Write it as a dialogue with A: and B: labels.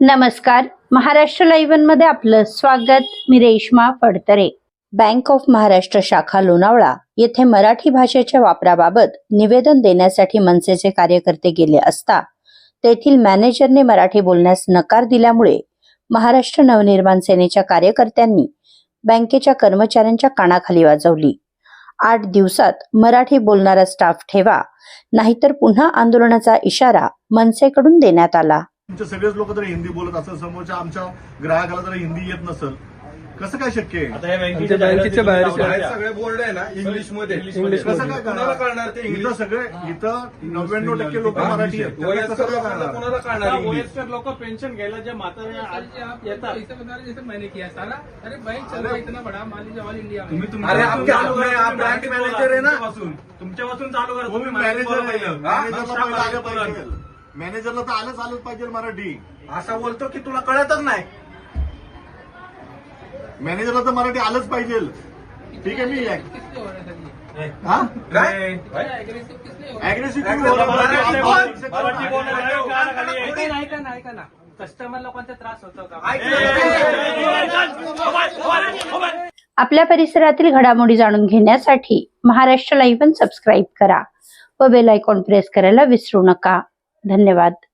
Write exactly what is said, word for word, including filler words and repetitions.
A: नमस्कार, महाराष्ट्र लाईव्ह मध्ये आपलं स्वागत. मी रेश्मा फडतरे. बँक ऑफ महाराष्ट्र शाखा लोणावळा येथे मराठी भाषेच्या वापराबाबत निवेदन देण्यासाठी मनसेचे कार्यकर्ते गेले असता तेथील मॅनेजरने मराठी बोलण्यास नकार दिल्यामुळे महाराष्ट्र नवनिर्माण सेनेच्या कार्यकर्त्यांनी बँकेच्या कर्मचाऱ्यांच्या कानाखाली वाजवली. आठ दिवसात मराठी बोलणारा स्टाफ ठेवा, नाहीतर पुन्हा आंदोलनाचा इशारा मनसेकडून देण्यात आला.
B: तुमचे सगळेच लोक जर हिंदी बोलत असेल, समोरच्या आमच्या ग्राहकाला जर हिंदी येत नसेल, कसं काय शक्य आहे?
C: आता हे बँकेच्या बाहेर
D: सगळे बोर्ड आहे ना इंग्लिश मध्ये.
B: कसं काय करणार ते? इथं सगळे इथं नव्याण्णव टक्के लोक मराठी आहेत. कसं काय करणार?
D: कोणाला कळणार
C: वयस्कर लोक पेन्शन घ्यायला जे म्हातारे येतात.
E: मैंने किया सारा. अरे बैंक चल रहा इतना बड़ा मान लीजिए ऑल इंडिया में.
C: तुम्ही
D: अरे आप क्या आप ब्रांच मॅनेजर आहे ना.
C: तुमच्यापासून चालू करा.
B: तुम्ही मॅनेजर मॅनेजरला पहिलं आलं पाहिजे. मॅनेजरला तर आलंच आलंच पाहिजे मराठी.
D: असा बोलतो की तुला कळतच नाही.
B: मॅनेजरला तर मराठी आलंच पाहिजे. ठीक आहे, मी
E: किसने हो रहा है सर ये?
B: हा
D: काय
E: अग्रेसिव किसने हो रहा है?
B: अग्रेसिव्ह
E: ऐका ना, ऐका ना, ऐका ना. कस्टमर लोकांचा त्रास होतो का?
A: आपल्या परिसरातील घडामोडी जाणून घेण्यासाठी महाराष्ट्र लाईव्ह सबस्क्राईब करा व बेल आयकॉन प्रेस करायला विसरू नका. धन्यवाद.